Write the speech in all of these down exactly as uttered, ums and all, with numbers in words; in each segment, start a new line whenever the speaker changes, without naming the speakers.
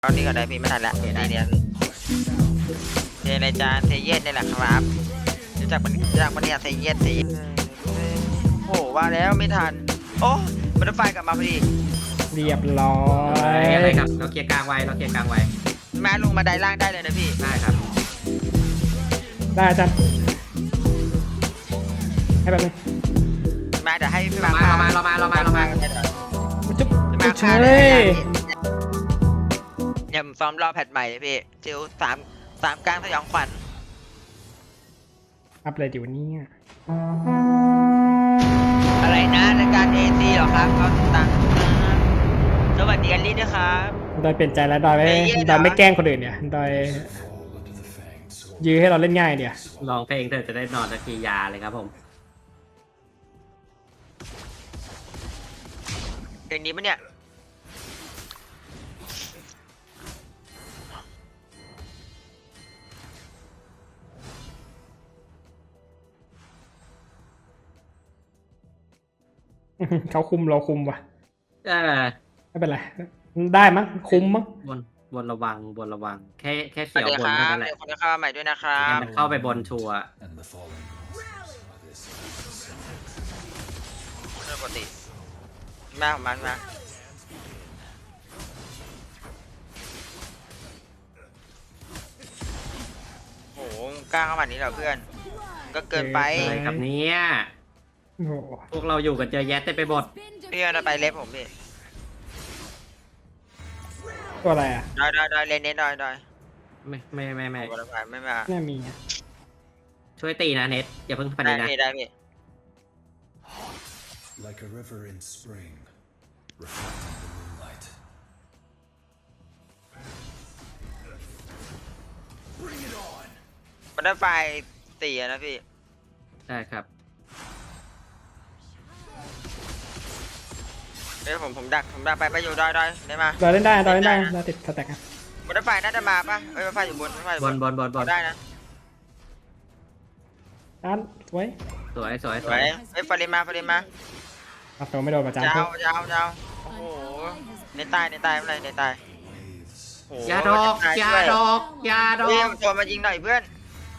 ตอนนี้ก็ได้พี่ไม่ทันละนี่เนี่ยเทในจานเทเย็นนี่แหละครับจากมันจากมันเนี่ยเทเย็นเทเย็นโอ้ว่าแล้วไม่ทันโอ้บัตเตอร์ไฟกลับมาพอดี
เรียบร้อย
อะไรครับเราเคลียร์กลางไว้เราเคลียร์กลางไว้
แม่ลงมาได้ล่างได้เลยนะพี่
ได้ครับ
ได้อาจารย์ให้แบบนี้
แม่เดี๋ยวให้พี่
มาเรามาเรามาเรามาเรามา
จุ๊บ
มา
จุ๊บ
เล
เลย ย
เนี่ยซ้อมรอแพทใหม่เลยพี่จิวสามสามกลางสยองขวัญ
อัพอะไรอยู่นี่
อะไรนะรายการเอซีเหรอครับเขาตังสวัสดีกันลิด้วยครับ
ดอยเปลี่ยนใจแล้วดอยไม่ดอยไม่แกล้งคนอื่นเนี่ยดอยยื้อให้เราเล่นง่ายเดียว
ลองเพลงเธอจะได้นอนสักทียาเลยครับผม
เพลงนี้ปะเนี่ย
เขาคุมเราคุมว่ะ
ได้
ไม่เป็นไรได้มั้งคุมมั้ง
บนบนระวังบนระวังแค่แค่เสียวบนเท่านั้นแหละ
คนเข้ามาใหม่ด้วยนะครับ
เข้าไปบนชัวร์
ปกติมาของมันมาโหกล้าเข้ามานี้เหรอเพื่อนก็เกินไป
อะไรครับเนี่ยพวกเราอยู่กันเจอแยะเต็มไปหมด
พี่เราไปเล็บผมพี่
ตัวอะไรอ่ะ
ดอยดอยดอยเลนเน้นดอยดอย
ไม่ไม่ไม่ไม่
ไม่มา
ไม่มี
ช่วยตีนะเน็ตอย่าเพิ่งพันนะ
ได้ได้พี่มันได้ไฟตีนะพี่
ได้ครับ
เดี๋ยวผมผมดักผมดักไปไปอยู่ดอยดอยได้มา
ดอยเล่นได้ดอยเล่นได้เราติดสแต็กอ่ะ
มันได้ไฟน่าจะมาปะเอ้ยไฟอยู่บนไฟ
บนบนบนบน
ได้นะ
อันสวย
สวยสวย
สวยเอ้ยฟาริมาฟาริมา
อัพตัวไม่โดนประจาน
ยาวยาวยาวโอ้โหในตายในตายอะไรในตาย
ยาดอกยาดอกยาดอก
เฮ้ยตัวมายิงหน่อยเพื่อน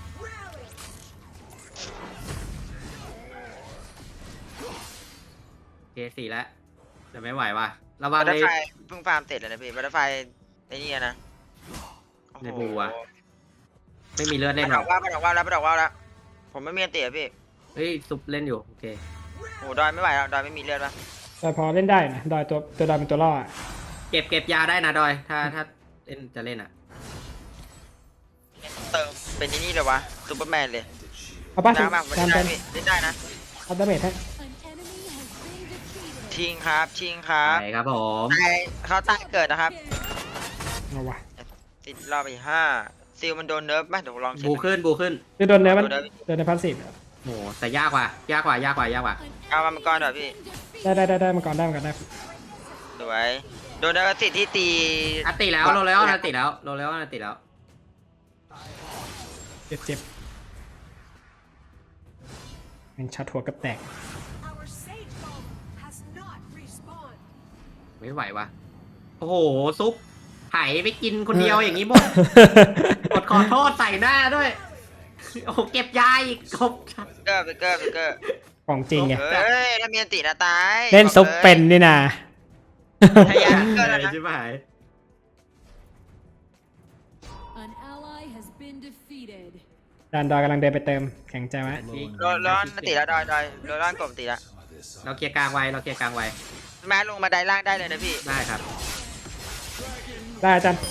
เคสี่แล้วแต่ไม่ไหวว่ะระวังเลย
เพิ่งฟาร์มเสร็จเลยนะพี่บัตเตอร์ไฟไอ้นี่นะ
ในบูอ่ะไม่มีเลือดเล่นหรอก
ว่าไปดอกว่าแล้วไปดอกว่าแล้วผมไม่มีเตะพี่
เฮ้ยซุปเล่นอยู่โอเค
โอ้ดอยไม่ไหวแล้วดอยไม่มีเลือดป่ะ
ดอยพอเล่นได้นะดอยตัวตัวดอยเป็นตัวล่อ
เก็บเก็บยาได้นะดอยถ้าถ้าเล่นจะเล่นอ่ะ
เติมเป็นนี่เลยวะซูเปอร์แมนเลย
เอาป่ะ
จานเป็นเล่นได้นะ
เอาดาเมจให้
ชิงครับชิงครับ
ใช่ครับผม
เขาตายเกิดนะครับ
เอาวะ
ติดรอบไปห้าซิลมันโดนเนิร์ฟไหมเดี๋ยวลอง
บูขึ้นบูขึ้น
คือโดนเนิร์ฟมันโดนในพันสิบ
โอ้แต่ยากกว่ายากกว่ายากกว่ายากกว่า
เอามามังกรหน่อยพี่
ได้ได้ได้ได้มังกรได้มังกรได้
สวยโดนเนิร์ฟติดที่ตี
อัดติแล้วโรแล้วอัดติแล้วโรแล้วอัดติแล้ว
เจ็บเจ็บมันช็อตหัวกับแตก
ไม่ไหววะโอ้โหซุปไผ่ไปกินคนเดียวอย่างนี้หมดกดขอโทษใส่หน้าด้วยโอ้เก็บยาอีกครบ
เกอร์ไปเกอร์ไปเกอร์
ของจริงไง
เฮ้ยถ้ามีอันตินะตาย
เล่นซุปเป็นนี่นา
ทยานเกอร์แล้วนะ
ใช่ไหม
ดานดอยกำลังเดินไปเติมแข็งใจไหม
ร้อนร้อนติแล้วดอยดอยร้อนกลมติแล้ว
เราเคลียร์กลางไว้เราเคลียร์กลางไว้
แม่ลงมาได้ล่างได้เลยนะพี่
ได้ครับ
ได้อาจารย์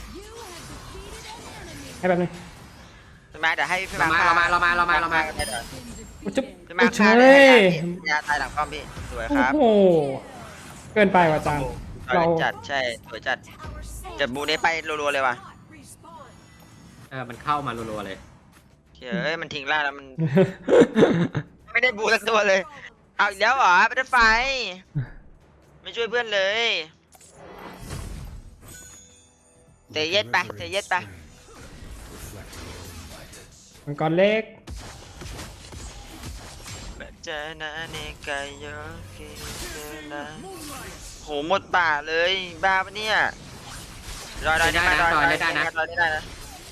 ให้แบบนึง
แม่เดี๋ยวให้พี่
มาเรามาเรามาเรามาเรามา
จุ๊บ
มาเฉยยาตายหลังป้อมพี่สวยครับ
โอ้โหเกินไปว่ะอาจารย์
เราจัดใช่สวยจัดจัดบูนี้ไปรัวๆเลยว่ะ
เออมันเข้ามารัวๆเลย
เฮ้ยมันทิ้งล่าแล้วมันไม่ได้บูสักตัวเลยเอาอีกแล้วเหรอไม่ได้ไฟไม่ช่วยเพื่อนเลยเตะเย็ดไปเตะเย็ดไป
มังกรเล็ก
เจอนะเนกายโยกิเจอนะโหหมดป่าเลยบ้าปะเนี่ยดอยดอยได้นะดอยได้นะดอยได้นะ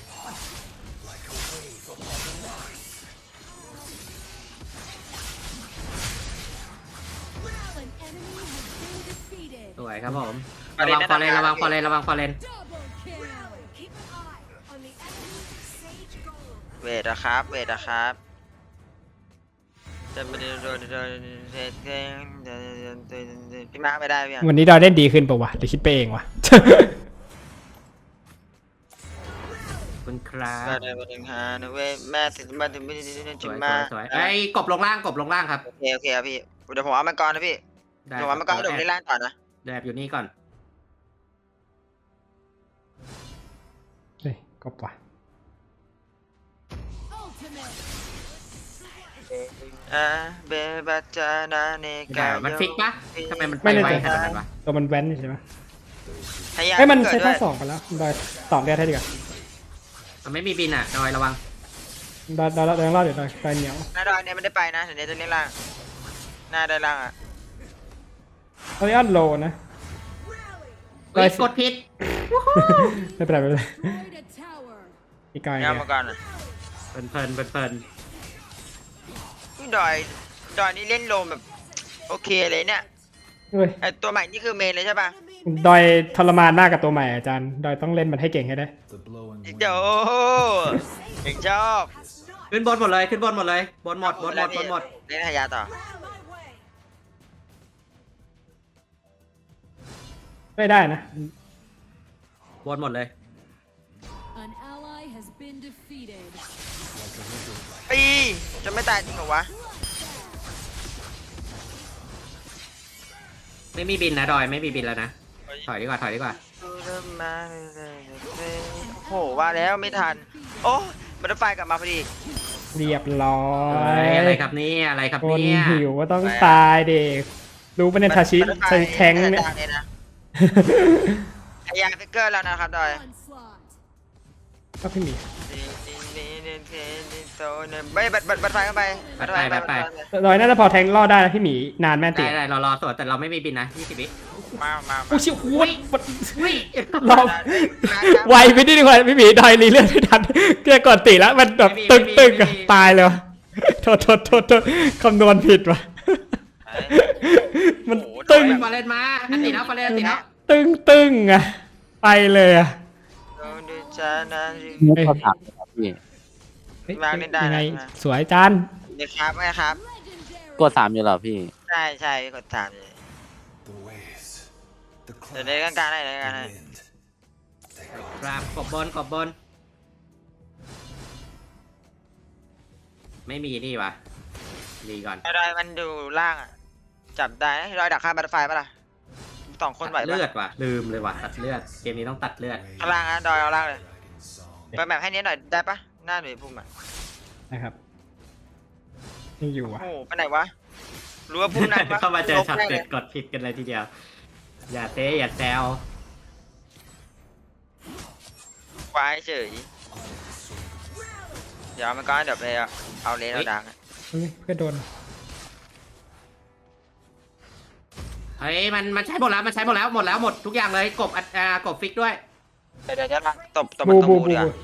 สวยครับผมระวังฟอร์เรนระวังฟอร์เรนระวังฟอร์เรน
เวทนะครับเวทนะครับจะไปโดนโดนโดนพี่มาร์คไปได้พี่
วันนี้ดอยเล่นดีขึ้นปะวะหรือคิดไปเองวะ
คุณครับ
ก็ได้มาถึงฮานะเว้ยแม่ถึงมาถึงไม่ได้
ส
ถึง
วย
มา
สวยไอ้กบลงล่างกบลงล่างครับ
โอเคโอเคครับพี่เดี๋ยวผมเอามังกรนะพี่
ได้
เดี๋ยวเอามังกรเดี๋ยวนี้ล่างต่อนะ
แดบอยู่นี่ก่อน
เฮ้ยก็ปะ
อ่าเบบัจานาเนกา
มันฟิกปะทำไมมันไป
ไม่แน่
ไว
ใจ
ขนาดนั้นวะ
ตัวมันแว้นใช่ไหม
ให้ยา
เอ้ยมัน
เกิ
ใช้
ดด้ว
ท่าย สองกันแล้วดอยสองเดียวให้ดีกว่า
มันไม่มีบินอ่ะดอยระวัง
ดอยดอยดอยยังรอดอยู่ดอยดอยเหนียว
หน้าดอยเนี่ยไม่ได้ไปนะเดี๋ยวนี้จะเล่นล่างหน้าได้ล่างอ่ะ
ตอนนี้อันโลนะ
เฮ้ยกดผิด
ไม่เป็นไรไม่เป็นไรอีกไกล
เอามังกรอ่ะ
เพลินเพลินเพลินเพลิน
ดอยดอยนี่เล่นโลมแบบโอเคเลยเนี่ย
เฮ้ย
ไอตัวใหม่นี่คือเมนเลยใช่ปะ
ดอยทรมานมากกับตัวใหม่อาจารย์ดอยต้องเล่นมันให้เก่งให้ได้
เดี๋ยวเด็กชอบ
ขึ้นบนหมดเลยขึ้นบนหมดเลยบนหมดบนหมดบนหมด
เล่นหายาต่อ
ไม่ได้นะ
บนหมดเลย
ปีจะไม่ตายจริงเหรอวะ
ไม่มีบินนะดอยไม่มีบินแล้วนะถอยดีกว่าถอยดีกว่า
โอ้โหว่าแล้วไม่ทันโอ้บัตเตอร์ไฟกลับมาพอดี
เรียบร้อ
เฮ้
ย
ยอะไรครับเนี่ยอะไรครับ
คน
เนี่ย
หิวก็ต้องตายเด็กรู้ปะเนี่ยทาชิใช้แทงเนี่ย
หายาฟิกเกอร์แล้วนะครับดอย
ก็พี่หมี
ไม่บัตบัตบัตไฟเข้าไป
ดอยน่าจะพอแทงรอดได้นะพี่หมีนานแม่ติ
ได้ได้เรารอสวดแต่เราไม่มีบินนะยี่สิบวิ
มามา
โอ้ชิวโอ้ย
อุ้ย
รอบไวไปนิดนึงว่ะพี่หมีดอยรีเลือดไม่ทันเกือบก่อนติแล้วมันแบบตึงตึงอะตายเลยวะโทษโทษโทษโทษคำนวณผิดว่ะมันตึง
ฟาเลนมาอันตีแล้วฟาเลนอันตีแล้ว
ตึงตึงอะไปเลยอะ
มุกเขาถามนะครับพี่
เฮ้ย
วางเล่นได้
ยังไง
นะ
สวยจาน
เดี๋ยวครับไงครับ
กดสามอยู่เหรอพี่
ใช่ใช่กดถามเลยเดี๋ยวเล่นกลางๆได้เลยกันให้
ครับกบบนกบบนไม่มีนี่วะดีก่อน
ดอยมันดูล่างอ่ะจับได้ดอยดักข้ามบัตไฟปะล่ะสองคนไหว
ตัด
ปะ
เลือดว่ะลืมเลยว่ะตัดเลือดเกมนี้ต้องตัดเลือด
ข้างล่างนะดอยเอาล่างเลยไปแบบให้เนี้ยหน่อยได้ปะหน้าหนุ่ยพุ่มอ่ะ
นะครับยังอยู่
โอ้
อ่ะ
โหไปไหนวะรู้ว่าพุ่มนั้นปะ
เข้ามาเจอช็อต
ลบ
เด็
แน่
ดกดผิดกันเลยทีเดียว อย่าเตะอย่าแซว
ควายเฉยเดี๋ยวมันก็เดี๋ยวไปเอาเลนเอาดัง
เฮ้ยเพื่อโดน
เฮ้ยมันมันใช้หมดแล้วมันใช้หมดแล้วหมดแล้วหมดทุกอย่างเลยกบอัดอ่ากบฟิกด้วย
เดี๋ยวจะตบตบ
บู
มันตบ
บู
บู
บู
เดี๋ยว
บู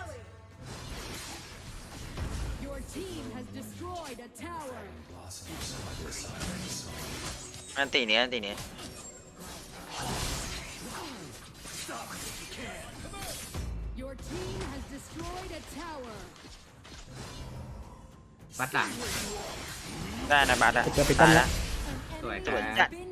อันตีนี้อันตีนี้
วัดหลัง
ได้นะบัสอะ
จะไปต้
ตาน ย
ละ
ละ
สวย
สวย
ค
จั
รั
ด
บ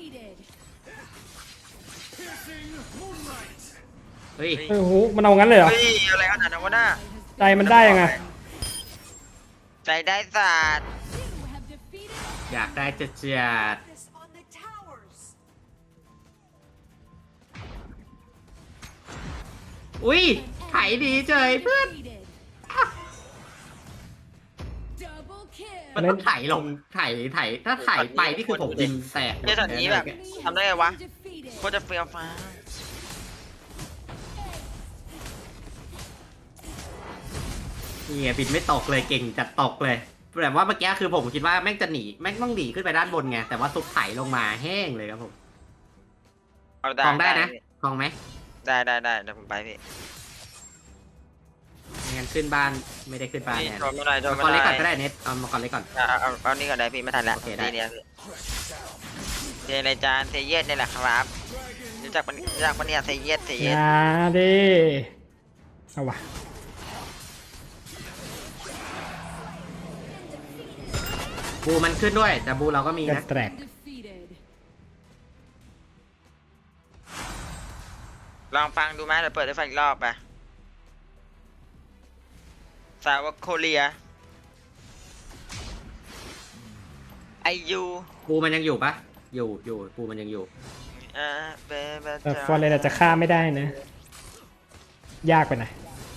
เฮ้ย
เฮ้ยโอ้โหมันเอางั้นเลยเหรอ
เฮ้ยอะไรขนาดนั้นวะน่า
ใจมันได้ยังไง
ใจได้ศาสตร์
อยากได้จะเจียดอุ้ยไถดีเจยเพื่อนมันต้องไถลงไถไถถ้าไถไปนี่คือผมยิงแตก
เจ้าช็อตนี้แบบทำได้ไงวะโคตรจะเฟี้ยวฟ้า
เนี่ยบินไม่ตกเลยเก่งจัดตกเลยแต่ว่าเมื่อกี้คือผมคิดว่าแม่งจะหนีแม่งต้องหนีขึ้นไปด้านบนไงแต่ว่าซุปไถลงมาแห้งเลยครับผม
เอา
คลองได้นะคลองไหม
ได้ได้ได้เดี๋ยวผมไปพี่
ไม่งั้นขึ้นบ้านไม่ได้ขึ้นบ้าน
นี่
แน่
โทรมาหน่อยโทร
มัง
มาก
ร
ห
เล็ก
น่
ก่
อ
อน
ย
ก็ได้เน็ตเอามังกรเล็กก่อน
เอาเอาเอานี่ก่อนได้พี่ไม่ทันแล้ว
โอเคได้
ทีเนี้ยพี่เทในจานเทเย็นนี่แหละครับรู้จักมันรู้จักมันเนี่ยเทเย็นเท
อ
เย็น
ย่าดิเอาวะ
บูมันขึ้นด้วย แต่บูเราก็มี
จะ
นะ
แตก
ลองฟังดูไหมเดี๋ยวเปิดให้ฟังอีกรอบไปสาวกโคเรียไอยู
บูมันยังอยู่ปะอยู่อยู่บูมันยังอยู่
อ่าเบเบ
แต่ฟอร์เรนอาจจะฆ่าไม่ได้นะ ยากไปหน่อย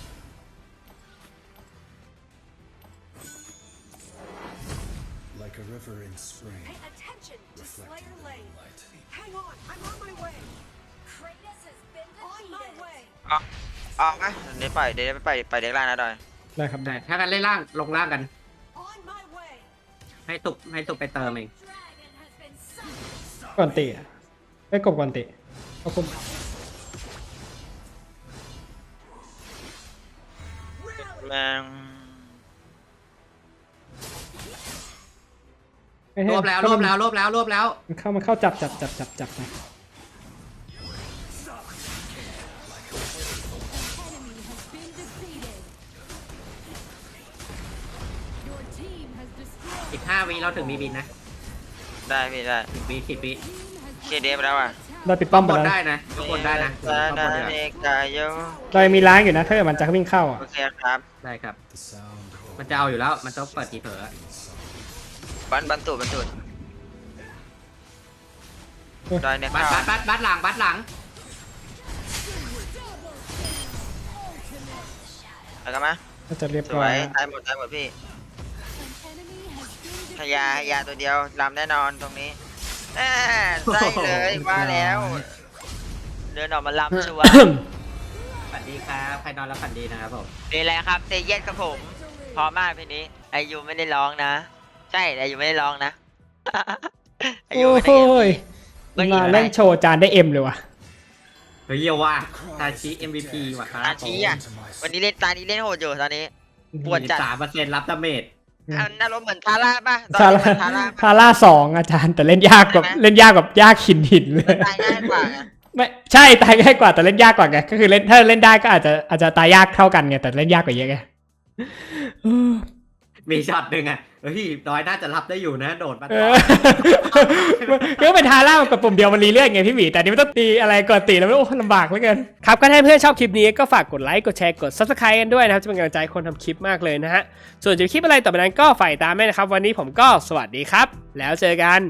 Like a river in spring.
Pay attention to Slayer Lane. Hang on, I'm on my way. Kratos has been on my way.
ออกไหมเดี๋ยวปล่อยเดี๋ยวไปไปเด็กล่างนะดอย
ได้ครับ
แต่
ได้
ถ้ากันเล่นล่างลงล่างกัน
On my way.
ให้ตุกให้ตุกไปเติมเอง
Dragon has been summoned.
ก่อนติอ่ะไม่กบก่อนติเอาคุม
แมง
เอ้ย
รวบแล้วรวบแล้วรวบแล้วรวบแล้ว
มันเข้ามันเข้าจับจับจับจับจับไป
Enemy has been defeated. Your team has destroyed.
อีกห้าวิเราถึงมีบินนะ
ได้พี่ได้
สิบวิสิบวิ
เคเดฟแล้วอ่ะ
เราปิดป้อมไป
บน
แล้ว
ได้นะบนได้นะ
ดา
ข้างบ
ดาน
ดีกว่า
เนกายโย
เรายังมีล้างอยู่นะถ้าเกิดมันจะวิ่งเข้าอ่ะ
โอเคครับ
ได้ครับ
The sound
มันจะเอาอยู่แล้วมันต้องเปิดทีเผลอ
บันบันตูดบันตูดดอยเนี่ย
บัด
เข้า
บัดบัดบัดหลังบัดหลัง
เอากันมา
ก็จะเรียบ
ส
ร้
ว
อย
ยตายหมดตายหมดพี่
An enemy has been
พยาพยาตัวเดียวลำแน่นอนตรงนี้แน่ใช่เลยว่าแล้วเดินออกมาลำชัวร์
ฝันดีครับใครนอนแล้วฝันดีนะครับผม
นี่แหละครับเตเย็นครับผมพอมากพี่นี้ไอายุไม่ได้ร้องนะ ใช่ไอายุไม่ได้ร้องนะ ไอายุ
โอ้
ไม่
โห
ได้
ยมาเล่นโชว์จานได้เอ็มเลยว่ะ
เฮ้ยเยี่ยว่าทาชิ เอ็ม วี พี ว่ะครับ
อาชีอ่ะวันนี้เล่นตานี้เล่นโหดอยู่ตอนนี้ ปวดจัด
สามเปอร์เซ็นต์รับดาเมจ
อันน่ารมณ์เหมือนทาร่าป่ะตอน
ทา
นี้
ร่า
เหมือนทาร่า
ทาร่าสองอาจารย์แต่เล่นยากกว่า
ใช่ไหม
เล่นยากแบบยากหินหินเลย
ตายง่ายกว่าไง
ไม่ใช่ตายง่ายกว่าแต่เล่นยากกว่าไงก็คือเล่นถ้าเล่นได้ก็อาจจะอาจจะตายยากเท่ากันไงแต่เล่นยากกว่าเยอะไงเออ
มีช็อตหนึ่งอ่ะเฮ้ยน้อยน่าจะรับได้อยู่นะ โดดมา
เออก็เป็นทาร่ามันกับปุ่มเดียวมันรีเลื่อนไงพี่หมีแต่อันนี้ไม่ต้องตีอะไรก่อนตีแล้วไม่โอ้ลำบากเหลือเกินครับก็ถ้าเพื่อนชอบคลิปนี้ก็ฝากกดไลค์กดแชร์กด ซับสไครบ์ กันด้วยนะครับจะเป็นกำลังใจคนทำคลิปมากเลยนะฮะส่วนจะมีคลิปอะไรต่อไปนั้นก็ฝ่ายตามแม่นะครับวันนี้ผมก็สวัสดีครับแล้วเจอกัน